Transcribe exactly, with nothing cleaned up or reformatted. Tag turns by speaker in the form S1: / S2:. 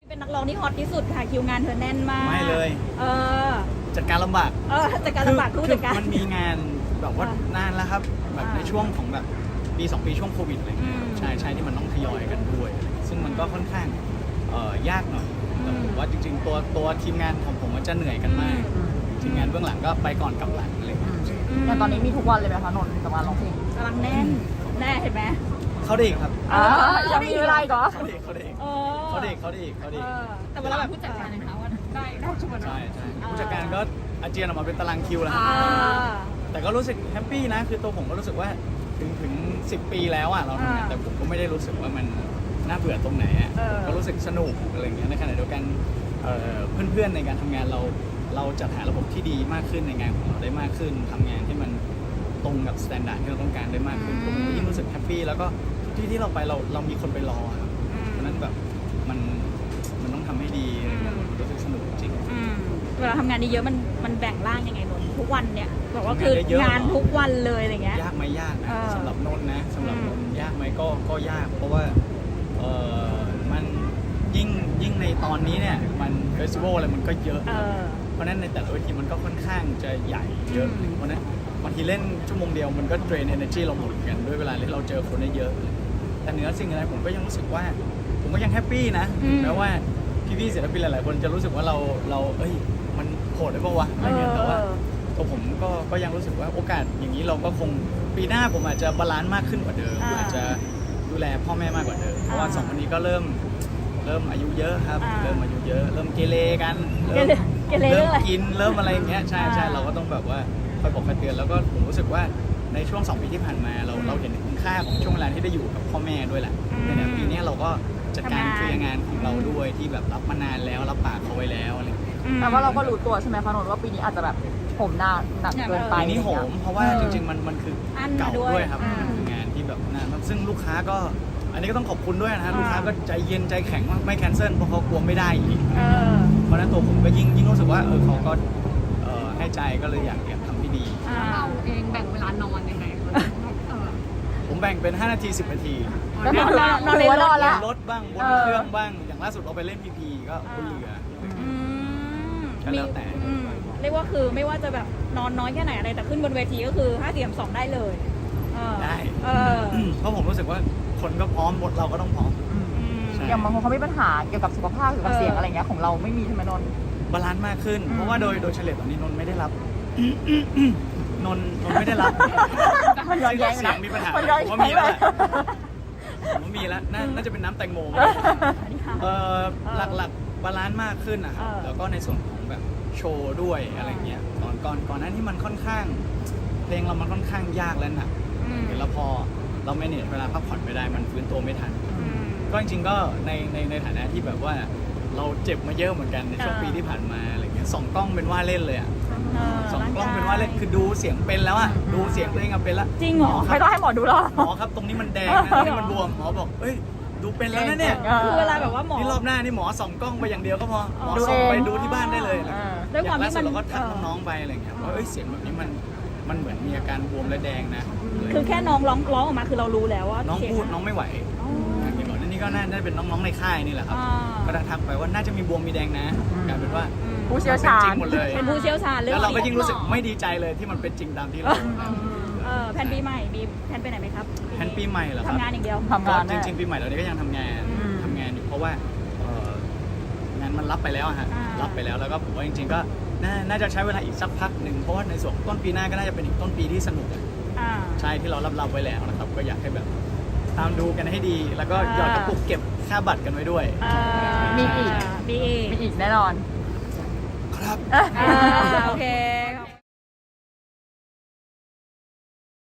S1: เป็นนักร้องที่ฮอตที่สุดค่ะคิวงานเธอแน่นมาก
S2: ไม่เลย
S1: เออ
S2: จัดการลำบาก
S1: เออจัดการลำบากคือจัดการ
S2: มันมีงานแบบว่านานแล้วครับแบบในช่วงของแบบปีสองปีช่วงโควิดอะไรเงี้ยใช่ใช่ที่มันต้องทยอยกันด้วยซึ่งมันก็ค่อนข้างเอ่อยากหน่อยแต่ผมว่าจริงๆตัวตัวทีมงานของผมมันจะเหนื่อยกันมากทีมงานเบื้องหลังก็ไปก่อนกลับหลังอะไรเงี้ย
S3: อย่างตอนนี้มีทุกวันเลยไหมคะนนท์กับงานร้องเพลง
S1: กำลังแน่นแน่เห็นไหม
S2: เขาได้อีกครับ
S3: ยังมีเวลาอีกเหรอ
S2: เขาได้อีกเขาได้อีกเขาได้อีกเขาได้อีกเขาได้อีก
S1: แต่เวลาแบบผู้จัดการนะคะว่าได้ได้ชั่วโมง
S2: ใช่ใช่ผู้จัดการก็อาเจียนออกมาเป็นตารางคิวแล้วแต่ก็รู้สึกแฮปปี้นะคือตัวผมก็รู้สึกว่าถึงถึงสิบปีแล้วอ่ะเราทำงานแต่ผมก็ไม่ได้รู้สึกว่ามันน่าเบื่อตรงไหนอ่ะก็รู้สึกสนุกอะไรเงี้ยในขณะเดียวกันเพื่อนๆในการทำงานเราเราจัดหาระบบที่ดีมากขึ้นในงานของเราได้มากขึ้นทำงานที่มันตรงกับมาตรฐานที่เราต้องการได้มากขึ้นผมก็ยิ่งรู้สึกแฮปปี้แล้วก็ทุกที่ที่เราไปเราเรามีคนไปรอครับเพราะนั้นแบบมันมันต้องทำให้ดีรู้สึกสนุกจริง
S1: เวลาทำงานเยอะมันมันแบ่งร่างยังไงนนทุกวันเนี่ยบอกว่าคืองานทุกวันเลยอะไรเงี้ย
S2: ยากไหมยากนะสำหรับนนนะสำหรับนนยากไหมก็ก็ยากเพราะว่าเออมันยิ่งยิ่งในตอนนี้เนี่ยมันเฟสติวัลอะไรมันก็เยอะเพราะนั้นในแต่ละเวทีมันก็ค่อนข้างจะใหญ่เยอะเพราะนั้นบางทีเล่นชั่วโมงเดียวมันก็เทรน energy เราหมดกันด้วยเวลาที่เราเจอคนได้เยอะแต่เหนือสิ่งอะไรผมก็ยังรู้สึกว่าผมก็ยังแฮปปี้นะแม้ว่าพี่ๆศิลปินหลายๆคนจะรู้สึกว่าเราเราเอ้ยมันโหดได้ปะวะอะไรเงี้ยแต่ว่าตัวผมก็ก็ยังรู้สึกว่าโอกาสอย่างนี้เราก็คงปีหน้าผมอาจจะบาลานซ์มากขึ้นกว่าเดิมอาจจะดูแลพ่อแม่มากกว่าเดิมเพราะว่าสองคนนี้ก็เริ่มเริ่มอายุเยอะครับเริ่มอายุเยอะเริ่มเกเรกันเริ่มเริ่มกินเริ่มอะไรอย่างเงี้ยใช่ใช่เราก็ต้องแบบว่าคอยบอกคอยเตือนแล้วก็ผมรู้สึกว่าในช่วงสองปีที่ผ่านมาเราเราเห็นคุณค่าของช่วงเวลาที่ได้อยู่กับพ่อแม่ด้วยแหละในปีนี้เราก็จัดการเคลียร์งานของเราด้วยที่แบบรับมานานแล้วรับปากเขาไว้แล้วอะไร
S3: แต่ว่าเราก็รู้ตัวใช่ไหมคะนนท์ว่าปีนี้อาจจะแบบผมหนักหนักเกินไป
S2: ปีนี้โหมเพราะว่าจริงๆมันมันคือเก่าด้วยครับมันคืองานที่แบบนานซึ่งลูกค้าก็อันนี้ก็ต้องขอบคุณด้วยนะฮะลูกค้าก็ใจเย็นใจแข็งไม่แคนเซิลเพราะเขากลัวไม่ได้อีกเพราะนั้นตัวผมก็ยิ่งยิ่งรู้สึกว่าเออเขาก็ให้ใจก็เลยอยากอยากทำให้ดี
S4: เราเองแบ่งเวลานอนยังไง
S2: ผมแบ่งเป็นห้านาทีสิบนาที
S3: ก็คือนอนในรถแล้ว
S2: รถบ้างบนเครื่องบ้างอย่างล่าสุดเราไปเล่นพีพีก็บนเรือก็แล้วแต่
S1: เรียกว่าคือไม่ว่าจะแบบนอนน้อยแค่ไหนอะไรแต่ขึ้นบนเวทีก็คือห้าเสียมสองได้เลย
S2: ได้เพราะผมรู้สึกว่าคนก็พร้อมบทเราก็ต้องพร้อม
S3: อย่างบางคนเขามีปัญหาเกี่ยวกับสุขภาพเกี่ยวกับเสียงอะไรเงี้ยของเราไม่มีใช่ไหมนนท์
S2: บาลานซ์มากขึ้นเพราะว่าโดยโดยเฉลี่ยตอนนี้นนท์ไม่ได้รับนนท์นนท์ไม่ได้รับ
S3: มันย้อนแย้ง
S2: เสียงมีปัญหาผมว่ามีแล้วผมว่ามีแล้วน่าจะเป็นน้ำแตงโมเออหลักหลักบาลานซ์มากขึ้นนะครับแล้วก็ในส่วนของแบบโชว์ด้วยอะไรเงี้ยก่อนก่อนก่อนนั้นที่มันค่อนข้างเพลงเรามันค่อนข้างยากแล้วหนักแล้วพอเราไม่เนี่ยเวลาพักผ่อนไม่ได้มันฟื้นตัวไม่ทันก็จริงๆก็ในในในฐานะที่แบบว่าเราเจ็บมาเยอะเหมือนกันในช่วงปีที่ผ่านมาอะไรเงี้ยสองกล้องเป็นว่าเล่นเลยอ่ะสองกล้องเป็นว่าเล่นคือดูเสียงเป็นแล้วอ่ะดูเสียงตัวเองเป็นละ
S1: จริงเหรอ
S3: ไม่ต้องให้หมอดูหรอ
S2: หมอครับตรงนี้มันแดงนะนี่มันบวมหมอบอกเอ้ยดูเป็นแล้วนะเนี่ย
S1: คือเวลาแบบว่าหมอ
S2: นี่รอบหน้านี่หมอส่องกล้องไปอย่างเดียวก็พอหมอส่องไปดูที่บ้านได้เลย
S1: ด้วยความที่มัน
S2: เราก็ทักน้องๆไปอะไรเงี้ยว่าเอ้ยเสียงแบบนี้มันมันเหมือนมีอาการบวมและแดงนะ
S1: คือแค่น้องร้องร้องออกมาคือเรารู้แล้วว่า
S2: น้องพูดน้องไม่ไหวนี่ก็น่าจะเป็นน้องๆในค่ายนี่แหละครับก็ทักไปว่าน่าจะมีบวมมีแดงนะกลายเป็นว่า
S3: ผู้เชี่ยวชาญ
S2: หมดเลย
S1: เป็นผู้เชี่ยวชาญเลย
S2: แล้วเราก็ยิ่งรู้สึกไม่ดีใจเลยที่มันเป็นจริงตามที่เรา
S1: แผนปีใหม่มีแผนไปไหนไหมครับ
S2: แผนปีใหม่เหรอครับ
S1: ทำงานอย่างเดียว
S3: ทำงาน
S2: จริงๆปีใหม่เราก็ยังทำงานทำงานอยู่เพราะว่างานมันรับไปแล้วฮะรับไปแล้วแล้วก็ผมว่าจริงๆก็น่าจะใช้เวลาอีกสักพักหนึ่งเพราะว่าในส่วนต้นปีหน้าก็น่าจะเป็นอีกต้นปีที่สนุกใช่ที่เรารับรับไว้แล้วนะครับก็อยากให้แบบตามดูกันให้ดีแล้วก็หยอดกระปุกเก็บค่าบัตรกันไว้ด้วย
S3: มีอีก
S1: มีอีก
S3: มีอีกแน่นอน
S2: ครับ
S1: โอเค